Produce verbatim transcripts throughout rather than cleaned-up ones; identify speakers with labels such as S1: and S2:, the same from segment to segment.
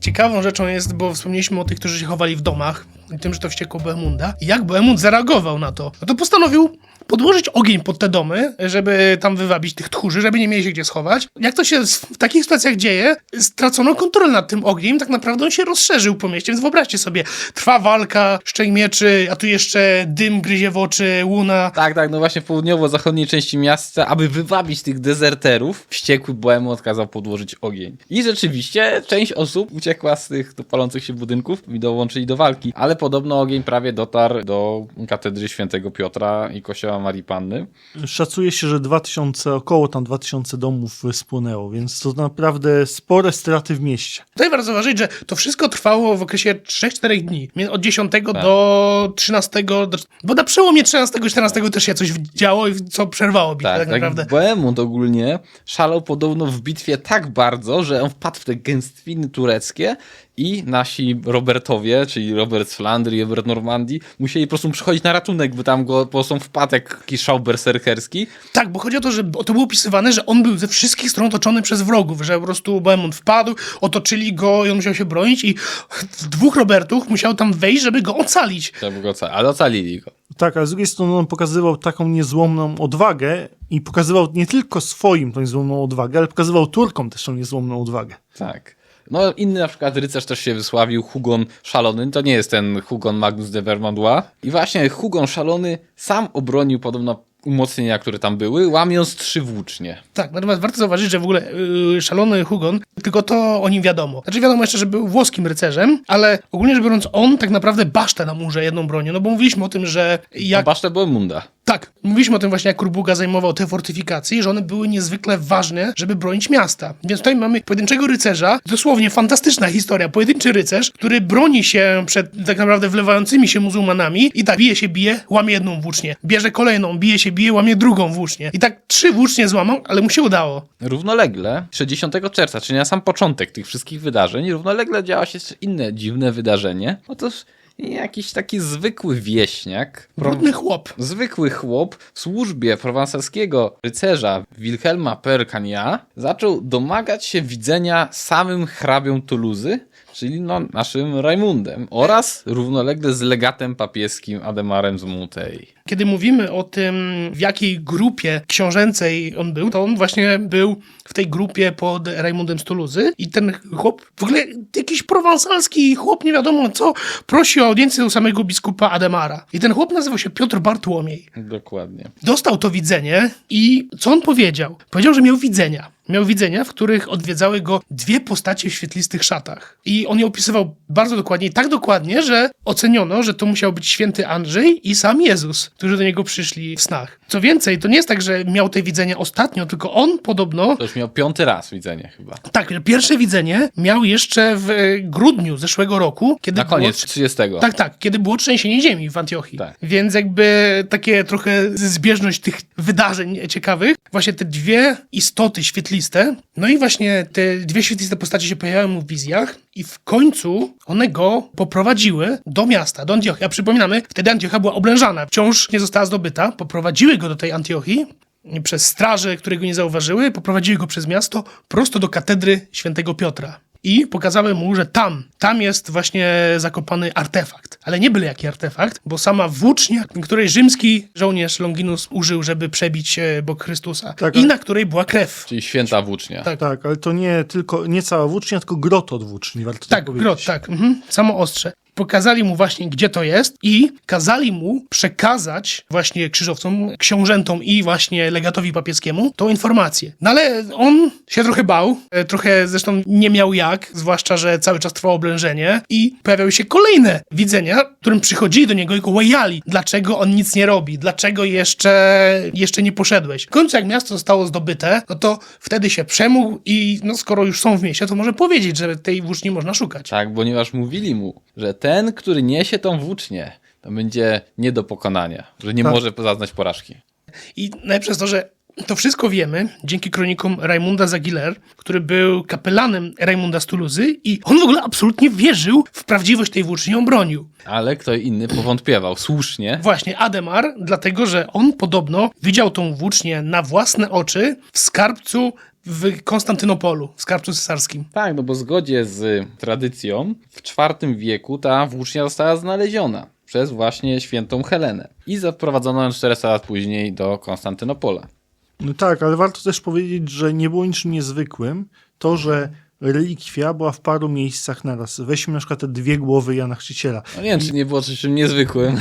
S1: ciekawą rzeczą jest, bo wspomnieliśmy o tych, którzy się chowali w domach i tym, że to wściekło Bohemunda. I jak Bohemund zareagował na to? No to postanowił podłożyć ogień pod te domy, żeby tam wywabić tych tchórzy, żeby nie mieli się gdzie schować. Jak to się w takich sytuacjach dzieje, stracono kontrolę nad tym ogniem, tak naprawdę on się rozszerzył po mieście, więc wyobraźcie sobie, trwa walka, szczęk mieczy, a tu jeszcze dym gryzie w oczy, łuna.
S2: Tak, tak, no właśnie w południowo-zachodniej części miasta, aby wywabić tych dezerterów, wściekły Bohemund kazał podłożyć ogień. I rzeczywiście część osób uciekła z tych do palących się budynków i dołączyli do walki, ale podobno ogień prawie dotarł do katedry świętego Piotra i kościoła Marii Panny.
S3: Szacuje się, że dwa tysiące, około tam dwa tysiące domów spłonęło, więc to naprawdę spore straty w mieście.
S1: Tutaj warto zauważyć, że to wszystko trwało w okresie trzech czterech dni. Od dziesiątego
S2: tak.
S1: do trzynastego, do... bo na przełomie trzynastego i czternastego też się coś działo, co przerwało bitwę tak, tak naprawdę.
S2: Tak, Bohemund ogólnie szalał podobno w bitwie tak bardzo, że on wpadł w te gęstwiny tureckie i nasi Robertowie, czyli Robert z Flandrii, Robert Normandii, musieli po prostu przychodzić na ratunek, bo tam go po prostu wpadł jak jakiś szał berserkerski.
S1: Tak, bo chodzi o to, że to było opisywane, że on był ze wszystkich stron otoczony przez wrogów, że po prostu Bohemund wpadł, otoczyli go i on musiał się bronić i dwóch Robertów musiał tam wejść, żeby go ocalić.
S2: Żeby go ocalić, ale ocalili go.
S3: Tak, a z drugiej strony on pokazywał taką niezłomną odwagę i pokazywał nie tylko swoim tą niezłomną odwagę, ale pokazywał Turkom też tą niezłomną odwagę.
S2: Tak. No inny na przykład rycerz też się wysławił, Hugon Szalony, to nie jest ten Hugon Magnus de Vermandois. I właśnie Hugon Szalony sam obronił podobno umocnienia, które tam były, łamiąc trzy włócznie.
S1: Tak, natomiast warto zauważyć, że w ogóle yy, szalony Hugon, tylko to o nim wiadomo. Znaczy wiadomo jeszcze, że był włoskim rycerzem, ale ogólnie rzecz biorąc on tak naprawdę basztę na murze jedną bronią, no bo mówiliśmy o tym, że jak...
S2: Basztę Bohemunda.
S1: Tak, mówiliśmy o tym właśnie, jak Kurbuga zajmował te fortyfikacje, że one były niezwykle ważne, żeby bronić miasta. Więc tutaj mamy pojedynczego rycerza, dosłownie fantastyczna historia, pojedynczy rycerz, który broni się przed tak naprawdę wlewającymi się muzułmanami i tak bije się, bije, łamie jedną włócznię, bierze kolejną, bije się, bije, łamie drugą włócznię. I tak trzy włócznie złamał, ale mu się udało.
S2: Równolegle, sześćdziesiątego czerwca, czyli na sam początek tych wszystkich wydarzeń, równolegle działa się jeszcze inne dziwne wydarzenie. Otóż jakiś taki zwykły wieśniak.
S1: Brudny chłop.
S2: Zwykły chłop w służbie prowansalskiego rycerza Wilhelma Percania zaczął domagać się widzenia samym hrabią Tuluzy, czyli no naszym Rajmundem, oraz równolegle z legatem papieskim Ademarem z Montei.
S1: Kiedy mówimy o tym, w jakiej grupie książęcej on był, to on właśnie był w tej grupie pod Rajmundem z Tuluzy i ten chłop, w ogóle jakiś prowansalski chłop, nie wiadomo co, prosi o audiencję u samego biskupa Ademara. I ten chłop nazywał się Piotr Bartłomiej.
S2: Dokładnie.
S1: Dostał to widzenie i co on powiedział? Powiedział, że miał widzenia. Miał widzenia, w których odwiedzały go dwie postacie w świetlistych szatach. I on je opisywał bardzo dokładnie, tak dokładnie, że oceniono, że to musiał być święty Andrzej i sam Jezus, którzy do niego przyszli w snach. Co więcej, to nie jest tak, że miał te widzenia ostatnio, tylko on podobno...
S2: To już miał piąty raz widzenie chyba.
S1: Tak, pierwsze widzenie miał jeszcze w grudniu zeszłego roku, kiedy
S2: Na koniec
S1: było...
S2: trzydziestego.
S1: Tak, tak, kiedy było trzęsienie ziemi w Antiochii.
S2: Tak.
S1: Więc jakby takie trochę zbieżność tych wydarzeń ciekawych. Właśnie te dwie istoty świetliste, no i właśnie te dwie świetliste postacie się pojawiały mu w wizjach i w końcu one go poprowadziły do miasta, do Antiochii. A przypominamy, wtedy Antiochia była oblężana, wciąż nie została zdobyta. Poprowadziły go do tej Antiochii przez straże, które go nie zauważyły, poprowadziły go przez miasto prosto do katedry świętego Piotra. I pokazały mu, że tam, tam jest właśnie zakopany artefakt. Ale nie byle jaki artefakt, bo sama włócznia, której rzymski żołnierz Longinus użył, żeby przebić bok Chrystusa.
S3: Tak,
S1: I na której była krew.
S2: Czyli święta włócznia.
S1: Tak.
S3: Tak, ale to nie tylko, nie cała włócznia, tylko grot od włóczni, warto
S1: Tak,
S3: powiedzieć.
S1: grot, tak. Mhm. Samo ostrze. Pokazali mu właśnie, gdzie to jest i kazali mu przekazać właśnie krzyżowcom, książętom i właśnie legatowi papieskiemu tą informację. No ale on się trochę bał, trochę zresztą nie miał jak, zwłaszcza, że cały czas trwało oblężenie i pojawiały się kolejne widzenia, którym przychodzili do niego i go łajali. Dlaczego on nic nie robi? Dlaczego jeszcze, jeszcze nie poszedłeś? W końcu jak miasto zostało zdobyte, no to wtedy się przemógł i no skoro już są w mieście, to może powiedzieć, że tej włóczni można szukać.
S2: Tak, ponieważ mówili mu, że ten, który niesie tą włócznię, to będzie nie do pokonania, że nie
S3: Tak.
S2: może zaznać porażki.
S1: I najlepsze jest to, że to wszystko wiemy dzięki kronikom Rajmunda z Aguilera, który był kapelanem Rajmunda z Tuluzy i on w ogóle absolutnie wierzył w prawdziwość tej włóczni, ją bronił.
S2: Ale kto inny powątpiewał, słusznie.
S1: Właśnie Ademar, dlatego że on podobno widział tą włócznię na własne oczy w skarbcu w Konstantynopolu, w skarbcu cesarskim.
S2: Tak, no bo w zgodzie z tradycją w czwartym wieku ta włócznia została znaleziona przez właśnie świętą Helenę i zaprowadzono ją czterysta lat później do Konstantynopola.
S3: No tak, ale warto też powiedzieć, że nie było niczym niezwykłym to, że relikwia była w paru miejscach naraz. Weźmy na przykład te dwie głowy Jana Chrzciciela.
S2: No nie wiem, czy nie było czymś niezwykłym.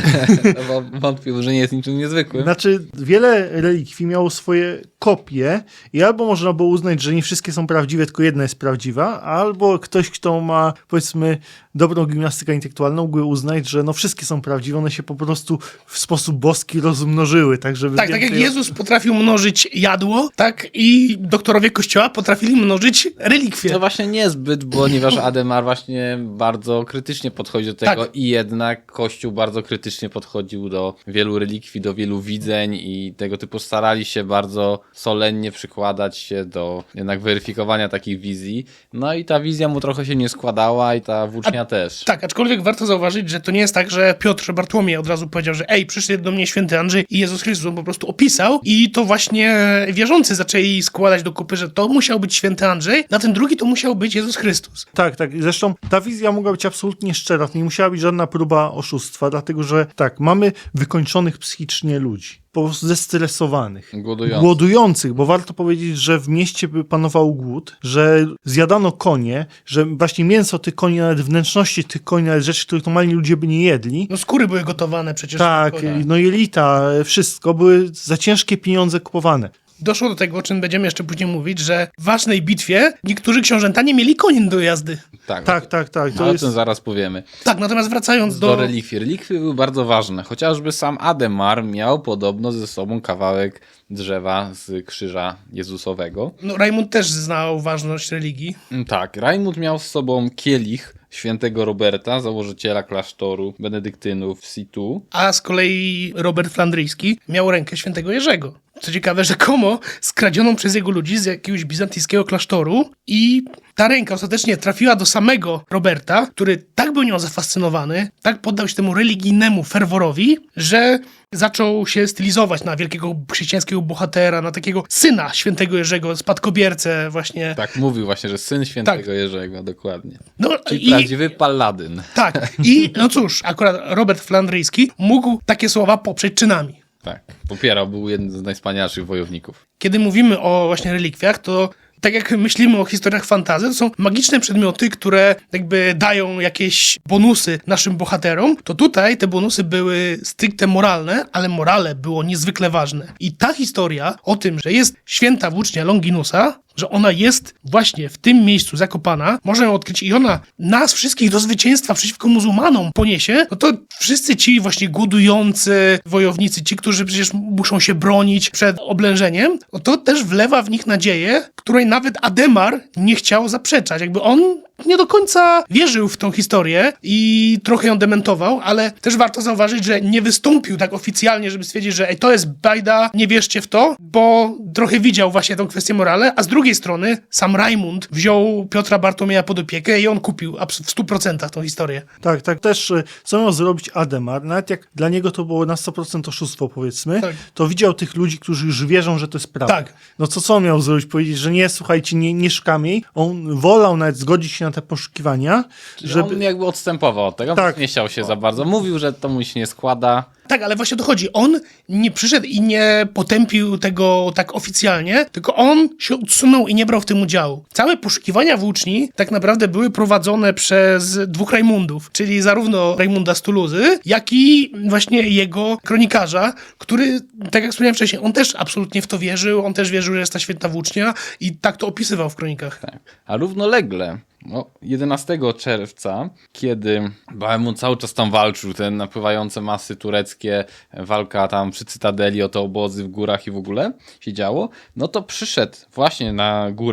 S2: Wątpię, że nie jest niczym niezwykłym.
S3: Znaczy, wiele relikwii miało swoje kopie i albo można było uznać, że nie wszystkie są prawdziwe, tylko jedna jest prawdziwa, albo ktoś, kto ma, powiedzmy, dobrą gimnastykę intelektualną, mógłby uznać, że no wszystkie są prawdziwe, one się po prostu w sposób boski rozmnożyły, tak żeby...
S1: Tak, tak jak
S3: więcej-
S1: Jezus potrafił mnożyć jadło, tak i doktorowie Kościoła potrafili mnożyć relikwie.
S2: No właśnie niezbyt, ponieważ Ademar właśnie bardzo krytycznie podchodzi do tego
S1: Tak.
S2: i jednak Kościół bardzo krytycznie podchodził do wielu relikwii, do wielu widzeń i tego typu starali się bardzo solennie przykładać się do jednak weryfikowania takich wizji. No i ta wizja mu trochę się nie składała i ta włócznia też.
S1: Tak, aczkolwiek warto zauważyć, że to nie jest tak, że Piotr Bartłomiej od razu powiedział, że ej, przyszedł do mnie święty Andrzej i Jezus Chrystus, on po prostu opisał i to właśnie wierzący zaczęli składać do kupy, że to musiał być święty Andrzej, na ten drugi to musiał być Jezus Chrystus.
S3: Tak, tak. I zresztą ta wizja mogła być absolutnie szczera. To nie musiała być żadna próba oszustwa, dlatego że tak, mamy wykończonych psychicznie ludzi. Po prostu zestresowanych.
S2: Głodujący.
S3: Głodujących, bo warto powiedzieć, że w mieście by panował głód, że zjadano konie, że właśnie mięso tych koni, nawet wnętrzności tych koni, nawet rzeczy, których normalni ludzie by nie jedli.
S1: No skóry były gotowane przecież.
S3: Tak, no jelita, wszystko były za ciężkie pieniądze kupowane.
S1: Doszło do tego, o czym będziemy jeszcze później mówić, że w ważnej bitwie niektórzy książęta nie mieli koni do jazdy.
S2: Tak,
S3: Tak, tak, tak.
S2: to
S3: To
S2: o
S3: jest...
S2: tym zaraz powiemy.
S1: Tak, natomiast wracając
S2: Do
S1: do...
S2: relikwii. Relikwii były bardzo ważne. Chociażby sam Ademar miał podobno ze sobą kawałek drzewa z krzyża Jezusowego.
S1: No, Rajmund też znał ważność religii.
S2: Mm, Tak, Rajmund miał z sobą kielich świętego Roberta, założyciela klasztoru benedyktynów w Situ.
S1: A z kolei Robert Flandryjski miał rękę świętego Jerzego. Co ciekawe, rzekomo skradzioną przez jego ludzi z jakiegoś bizantyjskiego klasztoru i ta ręka ostatecznie trafiła do samego Roberta, który tak był nią zafascynowany, tak poddał się temu religijnemu ferworowi, że zaczął się stylizować na wielkiego chrześcijańskiego bohatera, na takiego syna świętego Jerzego, spadkobiercę właśnie.
S2: Tak, mówił właśnie, że syn świętego Jerzego, dokładnie.
S1: No,
S2: Czyli
S1: i,
S2: prawdziwy paladyn.
S1: tak, i no cóż, akurat Robert Flandryjski mógł takie słowa poprzeć czynami.
S2: Tak, popierał, był jeden z najwspanialszych wojowników.
S1: Kiedy mówimy o właśnie relikwiach, to tak jak myślimy o historiach fantasy, to są magiczne przedmioty, które jakby dają jakieś bonusy naszym bohaterom, to tutaj te bonusy były stricte moralne, ale morale było niezwykle ważne. I ta historia o tym, że jest święta włócznia Longinusa, że ona jest właśnie w tym miejscu zakopana, można ją odkryć i ona nas wszystkich do zwycięstwa przeciwko muzułmanom poniesie, no to wszyscy ci właśnie głodujący wojownicy, ci, którzy przecież muszą się bronić przed oblężeniem, no to też wlewa w nich nadzieję, której nawet Ademar nie chciał zaprzeczać. Jakby on nie do końca wierzył w tą historię i trochę ją dementował, ale też warto zauważyć, że nie wystąpił tak oficjalnie, żeby stwierdzić, że ej, to jest bajda, nie wierzcie w to, bo trochę widział właśnie tą kwestię morale, a z drugiej strony sam Rajmund wziął Piotra Bartłomieja pod opiekę i on kupił abs- w stu procentach tą historię.
S3: Tak, tak. Też y, co miał zrobić Ademar, nawet jak dla niego to było na sto procent oszustwo, powiedzmy,
S1: Tak.
S3: to widział tych ludzi, którzy już wierzą, że to jest prawda.
S1: Tak.
S3: No co, co on miał zrobić? Powiedzieć, że nie, słuchajcie, nie, nie szukamy jej. On wolał nawet zgodzić się na te poszukiwania,
S2: Żeby...
S3: żeby...
S2: On jakby odstępował od tego,
S3: Tak.
S2: nie chciał się za bardzo. Mówił, że to mu się nie składa.
S1: Tak, ale właśnie o to chodzi. On nie przyszedł i nie potępił tego tak oficjalnie, tylko on się odsunął i nie brał w tym udziału. Całe poszukiwania włóczni tak naprawdę były prowadzone przez dwóch Rajmundów, czyli zarówno Rajmunda z Tuluzy, jak i właśnie jego kronikarza, który, tak jak wspomniałem wcześniej, on też absolutnie w to wierzył, on też wierzył, że jest ta święta włócznia i tak to opisywał w kronikach.
S2: Tak. A równolegle, no, jedenastego czerwca, kiedy Bohemund cały czas tam walczył, te napływające masy tureckie, walka tam przy Cytadeli o te obozy w górach i w ogóle się działo, no to przyszedł właśnie na górę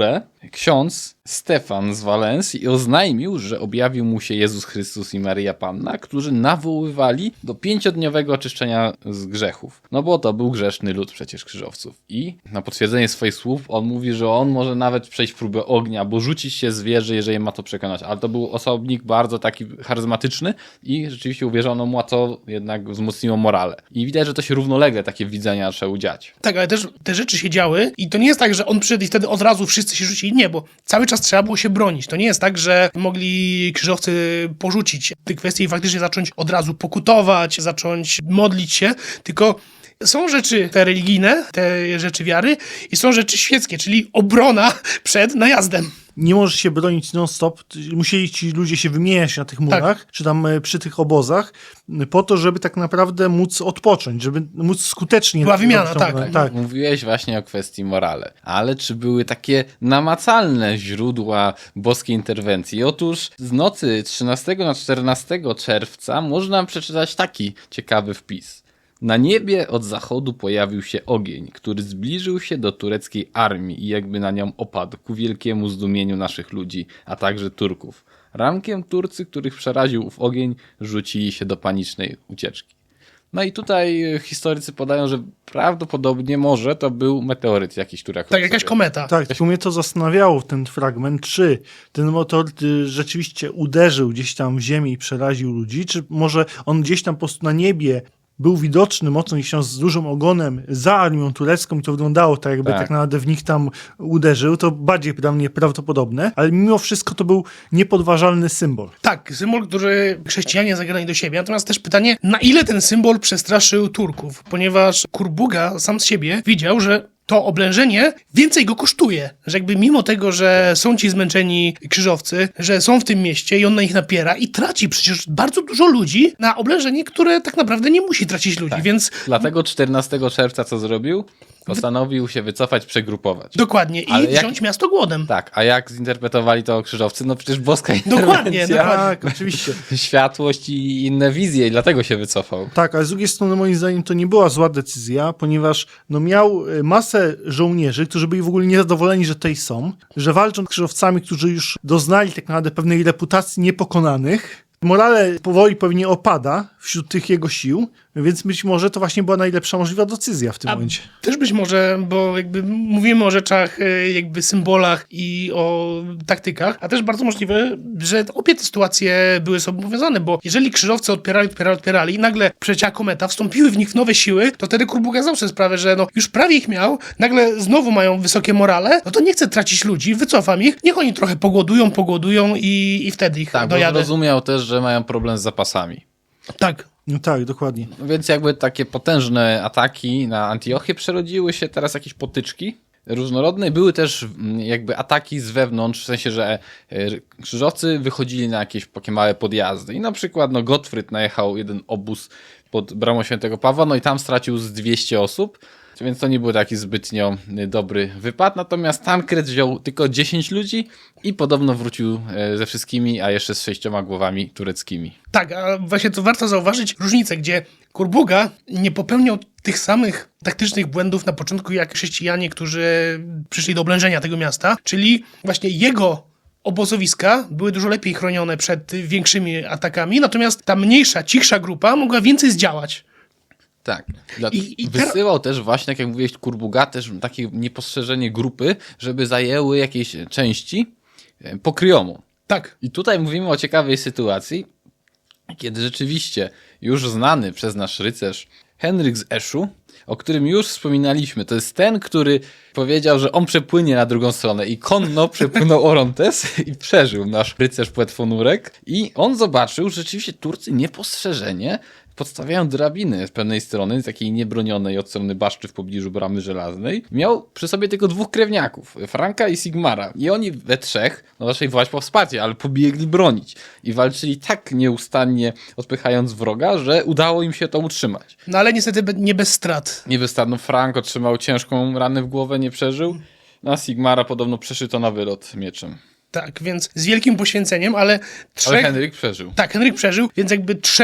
S2: ksiądz Stefan z Walensji i oznajmił, że objawił mu się Jezus Chrystus i Maryja Panna, którzy nawoływali do pięciodniowego oczyszczenia z grzechów. No bo to był grzeszny lud przecież krzyżowców. I na potwierdzenie swoich słów on mówi, że on może nawet przejść próbę ognia, bo rzucić się z wieży, jeżeli ma to przekonać. Ale to był osobnik bardzo taki charyzmatyczny i rzeczywiście uwierzono mu, a to jednak wzmocniło morale. I widać, że to się równolegle takie widzenia zaczęły dziać.
S1: Tak, ale też te rzeczy się działy i to nie jest tak, że on przyszedł i wtedy od razu wszyscy się rzucili. Nie, bo cały czas trzeba było się bronić. To nie jest tak, że mogli krzyżowcy porzucić te kwestie i faktycznie zacząć od razu pokutować, zacząć modlić się, tylko są rzeczy te religijne, te rzeczy wiary i są rzeczy świeckie, czyli obrona przed najazdem.
S3: Nie możesz się bronić non-stop. Musieli ci ludzie się wymieniać na tych murach,
S1: Tak.
S3: czy tam e, przy tych obozach, po to, żeby tak naprawdę móc odpocząć, żeby móc skutecznie...
S1: Była wymiana,
S3: robić tą-
S1: tak.
S3: tak.
S2: Mówiłeś właśnie o kwestii morale, ale czy były takie namacalne źródła boskiej interwencji? Otóż z nocy trzynastego na czternastego czerwca można przeczytać taki ciekawy wpis. Na niebie od zachodu pojawił się ogień, który zbliżył się do tureckiej armii i jakby na nią opadł ku wielkiemu zdumieniu naszych ludzi, a także Turków. Rankiem Turcy, których przeraził ów ogień, rzucili się do panicznej ucieczki. No i tutaj historycy podają, że prawdopodobnie może to był meteoryt jakiś, który akurat
S1: Tak, jakaś
S2: sobie-
S1: kometa.
S3: Tak, tylko mnie to zastanawiało, ten fragment, czy ten meteoryt y, rzeczywiście uderzył gdzieś tam w ziemię i przeraził ludzi, czy może on gdzieś tam po prostu na niebie był widoczny mocno gdzieś tam z dużym ogonem za armią turecką i to wyglądało tak, jakby
S2: Tak.
S3: tak, naprawdę w nich tam uderzył, to bardziej dla mnie prawdopodobne, ale mimo wszystko to był niepodważalny symbol.
S1: Tak, symbol, który chrześcijanie zagrali do siebie. Natomiast też pytanie, na ile ten symbol przestraszył Turków? Ponieważ Kurbuga sam z siebie widział, że to oblężenie więcej go kosztuje. Że jakby mimo tego, że są ci zmęczeni krzyżowcy, że są w tym mieście i on na nich napiera i traci przecież bardzo dużo ludzi na oblężenie, które tak naprawdę nie musi tracić ludzi, więc
S2: Dlatego czternastego czerwca co zrobił? Postanowił się wycofać, przegrupować.
S1: dokładnie i
S2: Ale jak-
S1: wziąć miasto głodem.
S2: Tak, a jak zinterpretowali to krzyżowcy? No przecież boska
S1: Dokładnie,
S2: interwencja,
S1: dokładnie.
S3: Tak, oczywiście.
S2: światłość i inne wizje i dlatego się wycofał.
S3: Tak, ale z drugiej strony moim zdaniem to nie była zła decyzja, ponieważ no, miał y, masę żołnierzy, którzy byli w ogóle niezadowoleni, że tutaj są, że walczą z krzyżowcami, którzy już doznali tak naprawdę pewnej reputacji niepokonanych. Morale powoli pewnie opada wśród tych jego sił, więc być może to właśnie była najlepsza możliwa decyzja w tym
S1: A
S3: momencie.
S1: też być może, bo jakby mówimy o rzeczach, e, jakby symbolach i o taktykach, a też bardzo możliwe, że obie te sytuacje były sobą powiązane, bo jeżeli krzyżowcy odpierali, odpierali, odpierali i nagle przecięła kometa, wstąpiły w nich nowe siły, to wtedy Kurbuga zdał sobie sprawę, że no już prawie ich miał, nagle znowu mają wysokie morale, no to nie chce tracić ludzi, wycofam ich, niech oni trochę pogodują, pogodują i, i wtedy ich
S2: Tak, bo
S1: dojadę.
S2: zrozumiał też, że mają problem z zapasami.
S1: Tak.
S3: No tak, dokładnie.
S2: No więc jakby takie potężne ataki na Antiochię przerodziły się teraz jakieś potyczki różnorodne. Były też mm, jakby ataki z wewnątrz, w sensie, że e, krzyżowcy wychodzili na jakieś takie małe podjazdy. I na przykład no, Gottfried najechał jeden obóz pod bramą Świętego Pawła, no i tam stracił z dwieście osób. Więc to nie był taki zbytnio dobry wypad. Natomiast Tankred wziął tylko dziesięć ludzi i podobno wrócił e, ze wszystkimi, a jeszcze z sześcioma głowami tureckimi.
S1: Tak, a właśnie to warto zauważyć różnicę, gdzie Kurbuga nie popełniał tych samych taktycznych błędów na początku jak chrześcijanie, którzy przyszli do oblężenia tego miasta, czyli właśnie jego obozowiska były dużo lepiej chronione przed większymi atakami, natomiast ta mniejsza, cichsza grupa mogła więcej zdziałać.
S2: Tak. Dla...
S1: I- i ter-
S2: Wysyłał też właśnie, tak jak mówiłeś, Kurbuga, też takie niepostrzeżenie grupy, żeby zajęły jakieś części e, pokryjomu.
S1: Tak.
S2: I tutaj mówimy o ciekawej sytuacji, kiedy rzeczywiście już znany przez nasz rycerz Henryk z Eszu, o którym już wspominaliśmy, to jest ten, który powiedział, że on przepłynie na drugą stronę i konno przepłynął Orontes i przeżył nasz rycerz płetwonurek i on zobaczył, że rzeczywiście Turcy niepostrzeżenie podstawiają drabiny z pewnej strony, z takiej niebronionej od strony baszczy w pobliżu Bramy Żelaznej. Miał przy sobie tylko dwóch krewniaków, Franka i Sigmara. I oni we trzech, no raczej wołać po wsparcie, ale pobiegli bronić. I walczyli tak nieustannie odpychając wroga, że udało im się to utrzymać.
S1: No ale niestety be- nie bez strat.
S2: Nie wystarno, Frank otrzymał ciężką ranę w głowę, nie przeżył. Na Sigmara podobno przeszyto na wylot mieczem.
S1: Tak, więc z wielkim poświęceniem, ale trzech...
S2: Ale Henryk przeżył.
S1: Tak, Henryk przeżył, więc jakby trzech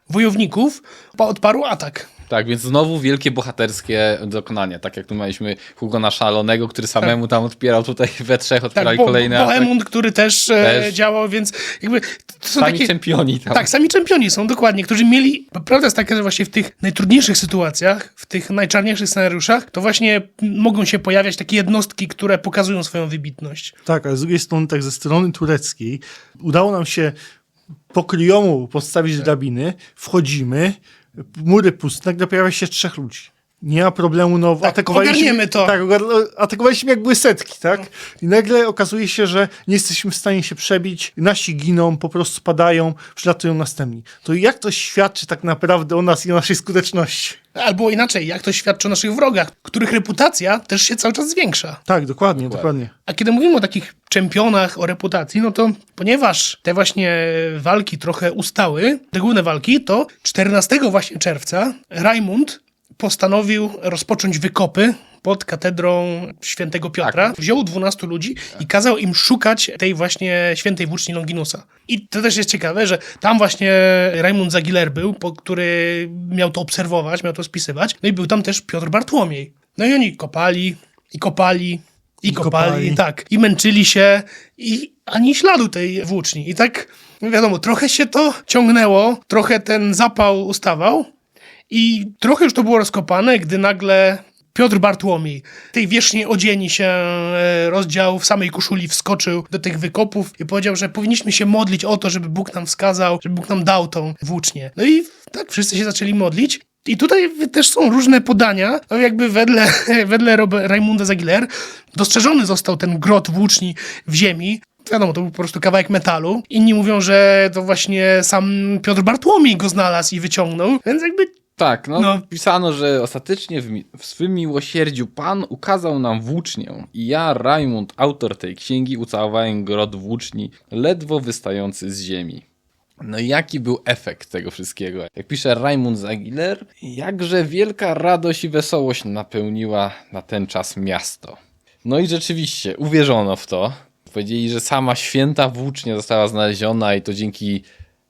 S1: wojowników odparł atak.
S2: Tak, więc znowu wielkie bohaterskie dokonania, tak jak tu mieliśmy Hugona Szalonego, który samemu tam odpierał, tutaj we trzech otwierali
S1: Tak, bo,
S2: kolejne ataki.
S1: Bohemund, który też, e,
S2: Też.
S1: działał, więc jakby to są
S2: Sami
S1: takie...
S2: czempioni tam.
S1: Tak, sami czempioni są, dokładnie, którzy mieli... bo Prawda jest taka, że właśnie w tych najtrudniejszych sytuacjach, w tych najczarniejszych scenariuszach, to właśnie mogą się pojawiać takie jednostki, które pokazują swoją wybitność.
S3: Tak, ale z drugiej strony, tak ze strony tureckiej, udało nam się po kryjomu postawić drabiny, wchodzimy, mury puste, nagle pojawia się trzech ludzi. Nie ma problemu, no
S1: Tak,
S3: atakowaliśmy...
S1: ogarniemy to.
S3: Tak, ogar- atakowaliśmy jak były setki, tak? I nagle okazuje się, że nie jesteśmy w stanie się przebić, nasi giną, po prostu padają, przylatują następni. To jak to świadczy tak naprawdę o nas i o naszej skuteczności?
S1: Albo inaczej, jak to świadczy o naszych wrogach, których reputacja też się cały czas zwiększa.
S3: Tak, dokładnie, dokładnie.
S1: A kiedy mówimy o takich czempionach, o reputacji, no to ponieważ te właśnie walki trochę ustały, te główne walki, to czternastego właśnie czerwca Rajmund postanowił rozpocząć wykopy pod katedrą świętego Piotra.
S2: Tak.
S1: Wziął dwunastu ludzi i kazał im szukać tej właśnie świętej włóczni Longinusa. I to też jest ciekawe, że tam właśnie Rajmund z Aguilar był, po, który miał to obserwować, miał to spisywać. No i był tam też Piotr Bartłomiej. No i oni kopali i kopali i,
S3: I
S1: kopali,
S3: kopali.
S1: tak. I męczyli się i ani śladu tej włóczni. I tak, no wiadomo, trochę się to ciągnęło, trochę ten zapał ustawał i trochę już to było rozkopane, gdy nagle Piotr Bartłomiej, tej wierzchniej odzieni się e, rozdział, w samej koszuli wskoczył do tych wykopów i powiedział, że powinniśmy się modlić o to, żeby Bóg nam wskazał, żeby Bóg nam dał tą włócznię. No i tak wszyscy się zaczęli modlić. I tutaj też są różne podania, no jakby wedle, wedle Rob- Rajmunda z Aguilar dostrzeżony został ten grot włóczni w ziemi. Wiadomo, to był po prostu kawałek metalu. Inni mówią, że to właśnie sam Piotr Bartłomiej go znalazł i wyciągnął, więc jakby
S2: Tak, no,
S1: No.
S2: pisano, że ostatecznie w, mi- w swym miłosierdziu Pan ukazał nam włócznię i ja, Rajmund, autor tej księgi, ucałowałem grot włóczni, ledwo wystający z ziemi. No i jaki był efekt tego wszystkiego? Jak pisze Rajmund z Aguilar, jakże wielka radość i wesołość napełniła na ten czas miasto. No i rzeczywiście, uwierzono w to. Powiedzieli, że sama święta włócznia została znaleziona i to dzięki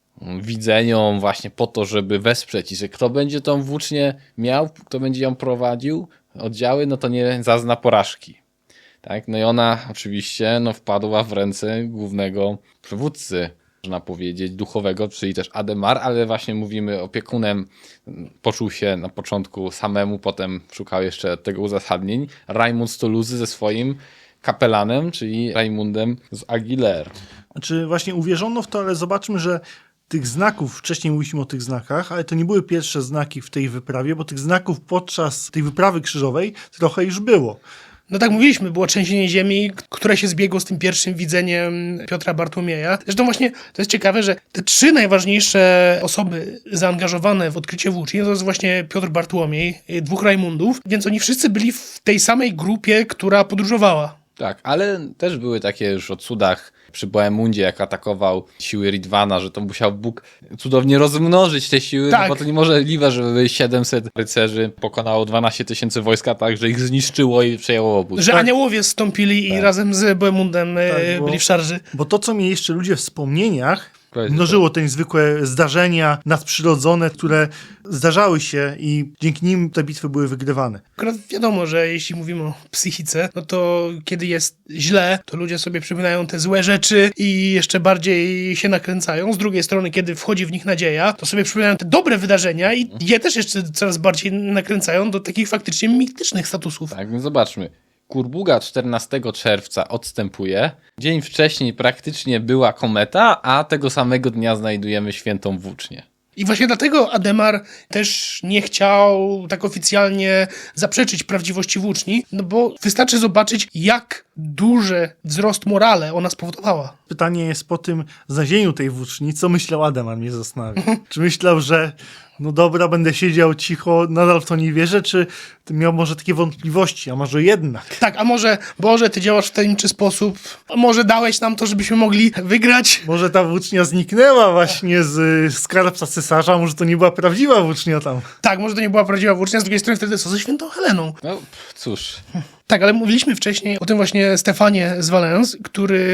S2: widzeniom właśnie po to, żeby wesprzeć i że kto będzie tą włócznię miał, kto będzie ją prowadził, oddziały, no to nie zazna porażki. Tak? No i ona oczywiście no, wpadła w ręce głównego przywódcy, można powiedzieć, duchowego, czyli też Ademar, ale właśnie mówimy, opiekunem poczuł się na początku samemu, potem szukał jeszcze tego uzasadnień. Rajmund z Toulouse ze swoim kapelanem, czyli Rajmundem z Aguilar.
S3: Znaczy właśnie uwierzono w to, ale zobaczmy, że tych znaków, wcześniej mówiliśmy o tych znakach, ale to nie były pierwsze znaki w tej wyprawie, bo tych znaków podczas tej wyprawy krzyżowej trochę już było.
S1: No tak mówiliśmy, było trzęsienie ziemi, które się zbiegło z tym pierwszym widzeniem Piotra Bartłomieja. Zresztą właśnie to jest ciekawe, że te trzy najważniejsze osoby zaangażowane w odkrycie włóczni to jest właśnie Piotr Bartłomiej, dwóch Rajmundów, więc oni wszyscy byli w tej samej grupie, która podróżowała.
S2: Tak, ale też były takie już o cudach przy Bohemundzie, jak atakował siły Ridwana, że to musiał Bóg cudownie rozmnożyć te siły,
S1: Tak.
S2: no bo to niemożliwe, żeby siedemset rycerzy pokonało dwanaście tysięcy wojska, tak, że ich zniszczyło i przejęło obóz.
S1: Że aniołowie zstąpili i razem z Bohemundem e,
S3: Tak, bo-
S1: byli w szarży.
S3: Bo to, co mieli jeszcze ludzie w wspomnieniach,
S2: Powiedz,
S3: mnożyło te niezwykłe zdarzenia nadprzyrodzone, które zdarzały się i dzięki nim te bitwy były wygrywane.
S1: Akurat wiadomo, że jeśli mówimy o psychice, no to kiedy jest źle, to ludzie sobie przypominają te złe rzeczy i jeszcze bardziej się nakręcają. Z drugiej strony, kiedy wchodzi w nich nadzieja, to sobie przypominają te dobre wydarzenia i je też jeszcze coraz bardziej nakręcają do takich faktycznie mitycznych statusów.
S2: Tak, więc zobaczmy. Kurbuga czternastego czerwca odstępuje. Dzień wcześniej praktycznie była kometa, a tego samego dnia znajdujemy świętą włócznię.
S1: I właśnie dlatego Ademar też nie chciał tak oficjalnie zaprzeczyć prawdziwości włóczni, no bo wystarczy zobaczyć, jak duży wzrost morale ona spowodowała.
S3: Pytanie jest po tym znalezieniu tej włóczni, co myślał Ademar, mnie zastanawia. Czy myślał, że no dobra, będę siedział cicho, nadal w to nie wierzę, czy miał może takie wątpliwości, a może jednak?
S1: Tak, a może, Boże, ty działasz w tajemniczy sposób, a może dałeś nam to, żebyśmy mogli wygrać?
S3: Może ta włócznia zniknęła właśnie z y, skarbca cesarza, może to nie była prawdziwa włócznia tam.
S1: Tak, może to nie była prawdziwa włócznia, z drugiej strony wtedy co ze świętą Heleną?
S2: No pff, cóż,
S1: Tak, ale mówiliśmy wcześniej o tym właśnie Stefanie z Valence, który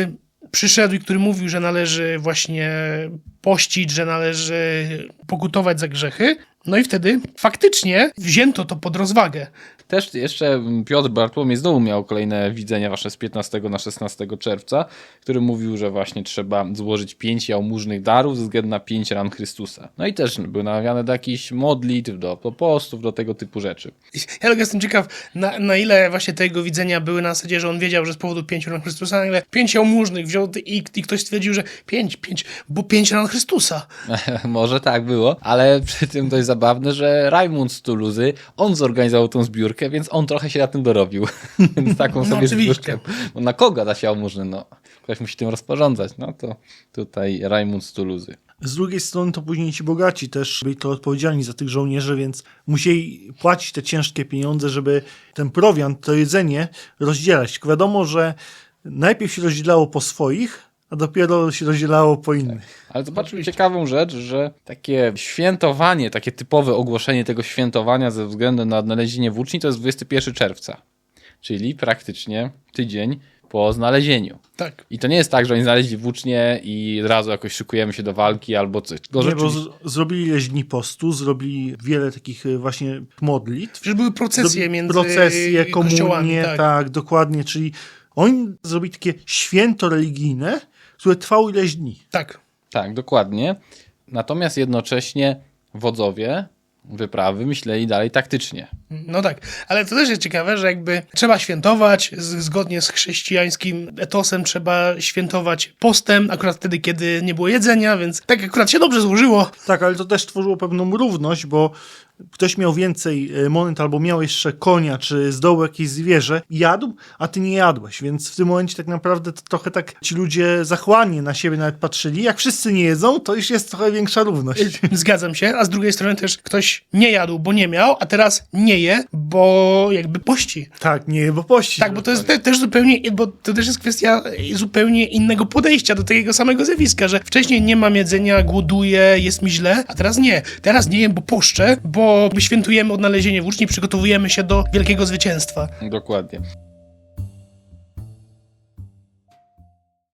S1: przyszedł i który mówił, że należy właśnie pościć, że należy pokutować za grzechy. No i wtedy faktycznie wzięto to pod rozwagę.
S2: Też jeszcze Piotr Bartłomiej znowu miał kolejne widzenia wasze z piętnastego na szesnastego czerwca, który mówił, że właśnie trzeba złożyć pięć jałmużnych darów ze względu na pięć ran Chrystusa. No i też były namawiane do jakichś modlitw, do, do postów, do tego typu rzeczy.
S1: Ja tylko jestem ciekaw, na, na ile właśnie te jego widzenia były na zasadzie, że on wiedział, że z powodu pięciu ran Chrystusa, na ile pięć jałmużnych wziął i, i ktoś stwierdził, że pięć, pięć, bo pięć ran Chrystusa.
S2: Może tak było, ale przy tym dość zabawne, że Rajmund z Tuluzy, on zorganizował tą zbiórkę, więc on trochę się na tym dorobił. Więc taką
S1: No
S2: sobie
S1: oczywiście.
S2: zbiórkę. Bo na kogo da się jałmużny? No, ktoś musi tym rozporządzać. No to tutaj Rajmund z Tuluzy.
S3: Z drugiej strony to później ci bogaci też byli to odpowiedzialni za tych żołnierzy, więc musieli płacić te ciężkie pieniądze, żeby ten prowiant, to jedzenie rozdzielać. Tylko wiadomo, że najpierw się rozdzielało po swoich, a dopiero się rozdzielało po innych.
S2: Ale zobaczmy ciekawą rzecz, że takie świętowanie, takie typowe ogłoszenie tego świętowania ze względu na odnalezienie włóczni to jest dwudziestego pierwszego czerwca. Czyli praktycznie tydzień po znalezieniu.
S1: Tak.
S2: I to nie jest tak, że oni znaleźli włócznie i od razu jakoś szykujemy się do walki albo coś. Tylko
S3: Nie, bo
S2: rzeczywiście-
S3: z- zrobili ileś dni postu, zrobili wiele takich e, właśnie modlitw.
S1: Że były procesje
S3: Zrobili
S1: między
S3: procesje,
S1: kościołami.
S3: komunie,
S1: Tak.
S3: tak, dokładnie. Czyli oni zrobili takie święto religijne, które trwało ileś dni.
S1: tak.
S2: Tak, dokładnie. Natomiast jednocześnie wodzowie wyprawy myśleli dalej taktycznie.
S1: No tak, ale to też jest ciekawe, że jakby trzeba świętować z, zgodnie z chrześcijańskim etosem, trzeba świętować postem, akurat wtedy, kiedy nie było jedzenia, więc tak akurat się dobrze złożyło.
S3: Tak, ale to też tworzyło pewną równość, bo ktoś miał więcej e, monet albo miał jeszcze konia, czy z dołu jakieś zwierzę, jadł, a ty nie jadłeś, więc w tym momencie tak naprawdę to trochę tak ci ludzie zachłannie na siebie nawet patrzyli. Jak wszyscy nie jedzą, to już jest trochę większa równość.
S1: Zgadzam się, a z drugiej strony też ktoś nie jadł, bo nie miał, a teraz nie je, bo jakby pości.
S3: Tak, nie, bo pości.
S1: Tak, bo to jest te, też zupełnie, bo to też jest kwestia zupełnie innego podejścia do takiego samego zjawiska, że wcześniej nie mam jedzenia, głoduję, jest mi źle, a teraz nie. Teraz nie jem, bo poszczę, bo świętujemy odnalezienie włóczni, przygotowujemy się do wielkiego zwycięstwa.
S2: Dokładnie.